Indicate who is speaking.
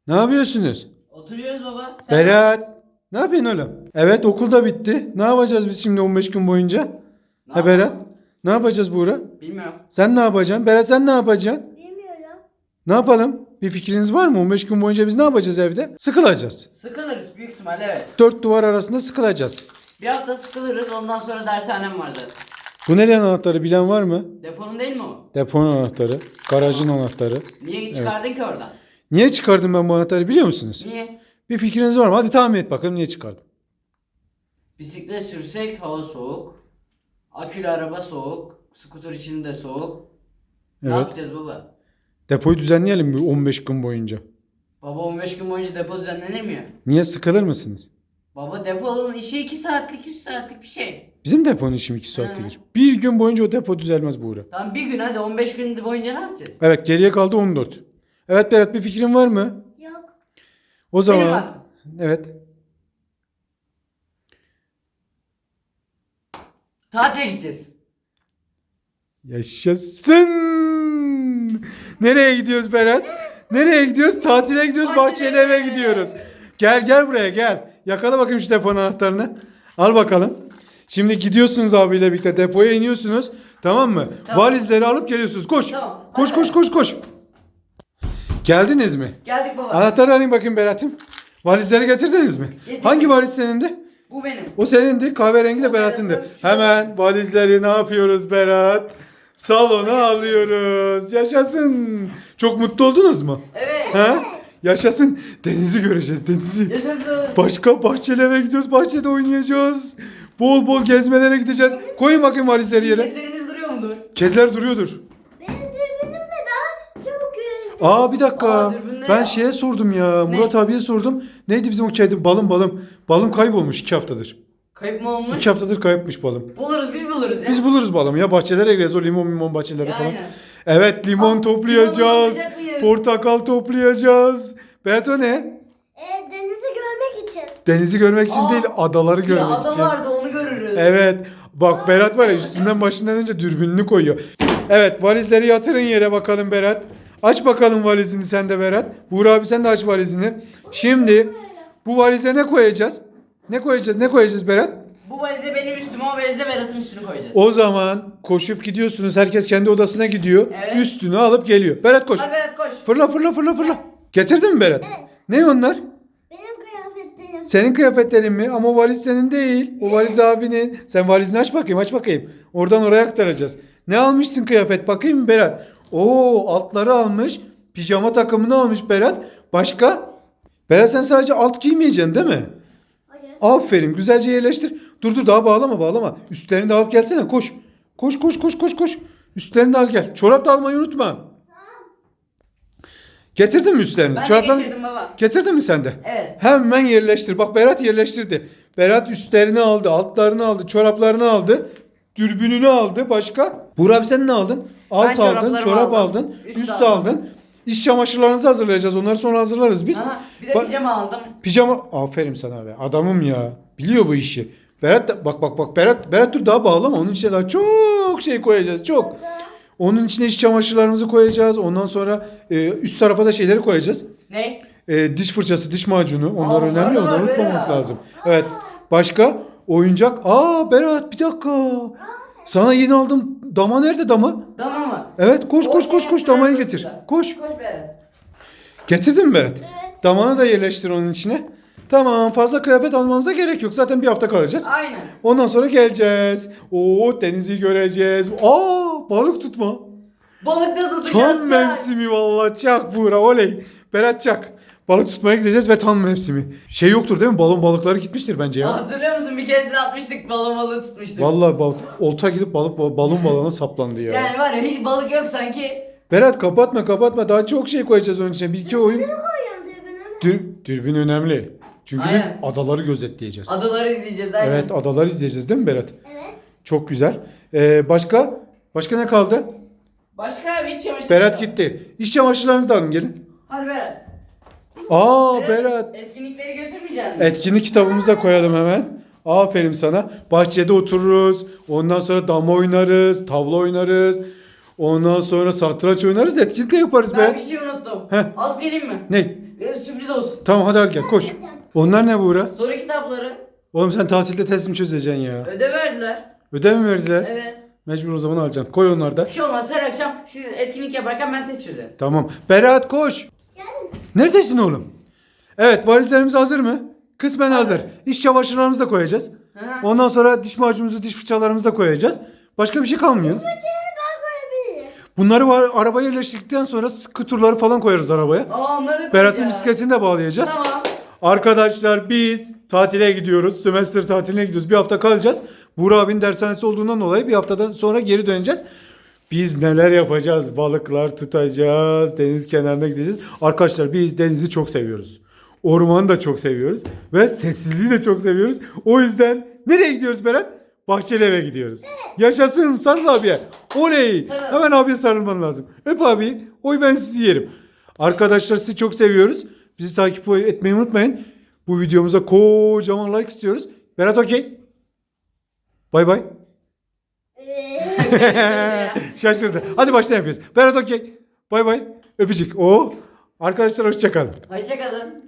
Speaker 1: Ne yapıyorsunuz?
Speaker 2: Oturuyoruz baba. Sen
Speaker 1: Berat. Ne yapıyorsun oğlum? Evet, okul da bitti. Ne yapacağız biz şimdi 15 gün boyunca?
Speaker 2: ne
Speaker 1: Ha
Speaker 2: yapıyorsun?
Speaker 1: Berat. Ne yapacağız Buğra?
Speaker 2: Bilmiyorum.
Speaker 1: Sen ne yapacaksın? Berat sen ne yapacaksın?
Speaker 3: Bilmiyorum.
Speaker 1: Ne yapalım? Bir fikriniz var mı? 15 gün boyunca biz ne yapacağız evde? Sıkılacağız.
Speaker 2: Sıkılırız büyük ihtimalle evet.
Speaker 1: Dört duvar arasında sıkılacağız.
Speaker 2: Bir hafta sıkılırız ondan sonra dershanem vardı.
Speaker 1: Bu nerenin anahtarı bilen var mı?
Speaker 2: Deponun değil mi o?
Speaker 1: Deponun anahtarı. Garajın anahtarı.
Speaker 2: Niye çıkardın ki oradan?
Speaker 1: Niye çıkardım ben bu anahtarı biliyor musunuz?
Speaker 2: Niye?
Speaker 1: Bir fikriniz var mı? Hadi tahmin et bakalım niye çıkardım.
Speaker 2: Bisiklet sürsek hava soğuk. Akülü araba soğuk. Skuter içinde soğuk. Ne
Speaker 1: Evet.
Speaker 2: yapacağız baba?
Speaker 1: Depoyu düzenleyelim mi 15 gün boyunca?
Speaker 2: Baba 15 gün boyunca depo düzenlenir mi ya?
Speaker 1: Niye sıkılır mısınız?
Speaker 2: Baba deponun işi 2 saatlik 3 saatlik bir şey.
Speaker 1: Bizim deponun işim 2 saattir.
Speaker 2: Hı.
Speaker 1: Bir gün boyunca o depo düzelmez Buğra.
Speaker 2: Tamam bir gün hadi 15 gün boyunca ne yapacağız?
Speaker 1: Evet, geriye kaldı 14. Evet Berat, bir fikrin var mı?
Speaker 3: Yok.
Speaker 1: O zaman
Speaker 2: var.
Speaker 1: evet.
Speaker 2: Tatile gideceğiz.
Speaker 1: Yaşasın. Nereye gidiyoruz Berat? Nereye gidiyoruz? Tatile gidiyoruz. Bahçeli eve gidiyoruz. Gel buraya gel. Yakala bakayım şu deponun anahtarını. Al bakalım. Şimdi gidiyorsunuz abiyle birlikte depoya iniyorsunuz. Tamam mı?
Speaker 2: Tamam.
Speaker 1: Valizleri alıp geliyorsunuz. Koş.
Speaker 2: Tamam.
Speaker 1: Koş
Speaker 2: Hadi.
Speaker 1: koş. Geldiniz mi?
Speaker 2: Geldik baba.
Speaker 1: Anahtarı alayım bakayım Berat'ım. Valizleri getirdiniz mi?
Speaker 2: Getirdim.
Speaker 1: Hangi valiz senindi?
Speaker 2: Bu benim.
Speaker 1: O senindi. Kahverengi de
Speaker 2: O
Speaker 1: Berat'ındı.
Speaker 2: Berat'ın.
Speaker 1: Hemen valizleri ne yapıyoruz Berat? Salona alıyoruz. Yaşasın. Çok mutlu oldunuz mu?
Speaker 2: Evet.
Speaker 1: Ha? Yaşasın. Denizi göreceğiz, denizi.
Speaker 2: Yaşasın.
Speaker 1: Başka bahçeli eve gidiyoruz. Bahçede oynayacağız. Bol bol gezmelere gideceğiz. Koyun bakayım valizleri yere.
Speaker 2: Kedilerimiz duruyor mudur?
Speaker 1: Kediler duruyordur.
Speaker 3: Benim dürbünümle daha çabuk yürüyüş.
Speaker 1: Aa, bir dakika.
Speaker 2: Aa, dürbün ne
Speaker 1: Ben
Speaker 2: ya?
Speaker 1: şeye sordum ya.
Speaker 2: Ne?
Speaker 1: Murat abiye sordum. Neydi bizim o kedi? Balım. Balım kaybolmuş 2 haftadır.
Speaker 2: Kayıp mı olmuş?
Speaker 1: 2 haftadır kayıpmış balım.
Speaker 2: Buluruz biz buluruz ya.
Speaker 1: Biz buluruz balımı ya. Bahçelere gireriz. O limon bahçeleri falan.
Speaker 2: Aynen.
Speaker 1: Evet, limon
Speaker 2: Aa,
Speaker 1: toplayacağız.
Speaker 2: limon toplayacak mıyız?
Speaker 1: Portakal toplayacağız. Berat, o ne?
Speaker 3: Denizi görmek için.
Speaker 1: Denizi görmek için
Speaker 2: Aa,
Speaker 1: değil, adaları
Speaker 2: Bir
Speaker 1: görmek
Speaker 2: ada
Speaker 1: için.
Speaker 2: vardı onu görürüz.
Speaker 1: Evet. Bak Berat var ya, üstünden başından önce dürbününü koyuyor. Evet, valizleri yatırın yere bakalım Berat. Aç bakalım valizini sen de Berat. Buğra abi sen de aç valizini. Şimdi bu valize ne koyacağız? Ne koyacağız Berat?
Speaker 2: Bu valize benim üstüme o valize Berat'ın üstünü koyacağız.
Speaker 1: O zaman koşup gidiyorsunuz. Herkes kendi odasına gidiyor.
Speaker 2: Evet.
Speaker 1: Üstünü alıp geliyor. Berat koş.
Speaker 2: Hadi Berat koş.
Speaker 1: Fırla. Getirdin mi Berat?
Speaker 3: Evet.
Speaker 1: Ne onlar?
Speaker 3: Benim kıyafetlerim.
Speaker 1: Senin kıyafetlerin mi? Ama o valiz senin değil. O valiz abinin. Sen valizini aç bakayım. Oradan oraya aktaracağız. Ne almışsın kıyafet? Bakayım mı Berat? Oo, altları almış. Pijama takımını almış Berat. Başka? Berat, sen sadece alt giymeyeceksin değil mi?
Speaker 3: Hayır.
Speaker 1: Aferin, güzelce yerleştir. Dur, daha bağlama. Üstlerini de alıp gelsene, koş. Koş. Üstlerini de al gel. Çorap da almayı unutma. Getirdin mi üstlerini?
Speaker 2: Ben de
Speaker 1: Çoraplarını
Speaker 2: getirdim baba.
Speaker 1: getirdin mi sen de?
Speaker 2: Evet.
Speaker 1: Hemen yerleştir. Bak Berat yerleştirdi. Berat üstlerini aldı, altlarını aldı, çoraplarını aldı, dürbününü aldı. Başka? Buğra abi sen ne aldın? Alt aldın,
Speaker 2: çoraplarımı
Speaker 1: çorap
Speaker 2: aldım,
Speaker 1: aldın,
Speaker 2: üst
Speaker 1: üst
Speaker 2: aldım.
Speaker 1: aldın. İş çamaşırlarınızı hazırlayacağız. Onları sonra hazırlarız biz.
Speaker 2: Aha, bir de
Speaker 1: Ba-
Speaker 2: pijama aldım.
Speaker 1: Pijama. Aferin sana be. Adamım ya. Biliyor bu işi. Berat da bak Berat dur, daha bağlama. Onun içine daha çok şey koyacağız. Çok. Onun içine iç çamaşırlarımızı koyacağız. Ondan sonra üst tarafa da şeyleri koyacağız.
Speaker 2: Ne?
Speaker 1: Diş fırçası, diş macunu. Onlar
Speaker 2: Aa,
Speaker 1: önemli.
Speaker 2: onlar da
Speaker 1: Onları
Speaker 2: var
Speaker 1: unutmamak
Speaker 2: Berat.
Speaker 1: lazım. Evet. Başka? Oyuncak. Aa Berat, bir dakika. Sana yeni aldım. Dama nerede dama?
Speaker 2: Tamam mı?
Speaker 1: Evet, koş
Speaker 2: O şey
Speaker 1: damayı
Speaker 2: arasında.
Speaker 1: getir. Koş.
Speaker 2: Koş Berat.
Speaker 1: Getirdin mi Berat?
Speaker 3: Evet.
Speaker 1: Damanı da yerleştir onun içine. Tamam, fazla kıyafet almamıza gerek yok. Zaten bir hafta kalacağız.
Speaker 2: Aynen.
Speaker 1: Ondan sonra geleceğiz. Oo, denizi göreceğiz. Aa, balık tutma.
Speaker 2: Balık da tutacağız.
Speaker 1: Tam mevsimi vallahi, çak Buğra, oley. Berat çak. Balık tutmaya gideceğiz ve tam mevsimi. Şey yoktur değil mi? Balon balıkları gitmiştir bence ya.
Speaker 2: Hatırlıyor musun? Bir keresinde atmıştık balon balığı tutmuştuk.
Speaker 1: Vallahi olta gidip balon balona saplandı ya.
Speaker 2: Yani var ya hiç balık yok sanki.
Speaker 1: Berat kapatma. Daha çok şey koyacağız onun içine. Bir iki oyun.
Speaker 3: Koyuyorum dürbünümü.
Speaker 1: Dürbün önemli. Çünkü
Speaker 2: Aynen.
Speaker 1: biz adaları gözetleyeceğiz.
Speaker 2: Adaları izleyeceğiz aynen.
Speaker 1: Evet, adaları izleyeceğiz değil mi Berat?
Speaker 3: Evet.
Speaker 1: Çok güzel. Başka ne kaldı?
Speaker 2: Başka bir çamaşır.
Speaker 1: Berat gitti. İş çamaşırlarınızı da alın gelin.
Speaker 2: Hadi Berat.
Speaker 1: Berat.
Speaker 2: Etkinlikleri götürmeyecek misin?
Speaker 1: Etkinlik kitabımızı da koyalım hemen. Aferin sana. Bahçede otururuz. Ondan sonra dama oynarız. Tavla oynarız. Ondan sonra satranç oynarız. Etkinlik de yaparız
Speaker 2: Ben bir
Speaker 1: Berat.
Speaker 2: şey unuttum.
Speaker 1: Heh.
Speaker 2: Alıp geleyim mi?
Speaker 1: Ne?
Speaker 2: sürpriz olsun.
Speaker 1: Tamam hadi gel koş. Onlar ne Buğra?
Speaker 2: Soru kitapları.
Speaker 1: Oğlum sen tatilde test mi çözeceksin ya?
Speaker 2: Ödev verdiler.
Speaker 1: Ödev mi verdiler?
Speaker 2: Evet.
Speaker 1: Mecbur o zaman alacaksın. Koy onları da.
Speaker 2: Bir şey olmaz, her akşam siz etkinlik yaparken ben test çözerim.
Speaker 1: Tamam. Berat koş.
Speaker 3: Geldim.
Speaker 1: Neredesin oğlum? Evet valizlerimiz hazır mı? Kısmen hazır. İş çamaşırlarımızı da koyacağız.
Speaker 2: Hı.
Speaker 1: Ondan sonra diş macunumuzu, diş fırçalarımızı da koyacağız. Başka bir şey kalmıyor.
Speaker 3: Böceğini ben koyabilirim.
Speaker 1: Bunları arabaya yerleştirdikten sonra skuturları falan koyarız arabaya.
Speaker 2: Aa, onları da
Speaker 1: Berat'ın
Speaker 2: koyacağız.
Speaker 1: bisikletini de bağlayacağız.
Speaker 2: Tamam.
Speaker 1: Arkadaşlar biz tatile gidiyoruz. Sömestr tatiline gidiyoruz. Bir hafta kalacağız. Buğra abinin dershanesi olduğundan dolayı bir haftadan sonra geri döneceğiz. Biz neler yapacağız? Balıklar tutacağız. Deniz kenarına gideceğiz. Arkadaşlar biz denizi çok seviyoruz. Ormanı da çok seviyoruz. Ve sessizliği de çok seviyoruz. O yüzden nereye gidiyoruz Berat? Bahçeliev'e gidiyoruz. Yaşasın sarıl abiye. Oley.
Speaker 2: Sarıl.
Speaker 1: Hemen abiye sarılman lazım. Öp abi. Oy ben sizi yerim. Arkadaşlar sizi çok seviyoruz. Bizi takip etmeyi unutmayın. Bu videomuza kocaman like istiyoruz. Berat okey. Bay bay. Şaşırdı. Hadi baştan yapıyoruz. Berat okey. Bay bay. Öpücük. Oo. Arkadaşlar hoşça kalın.
Speaker 2: Hoşçakalın.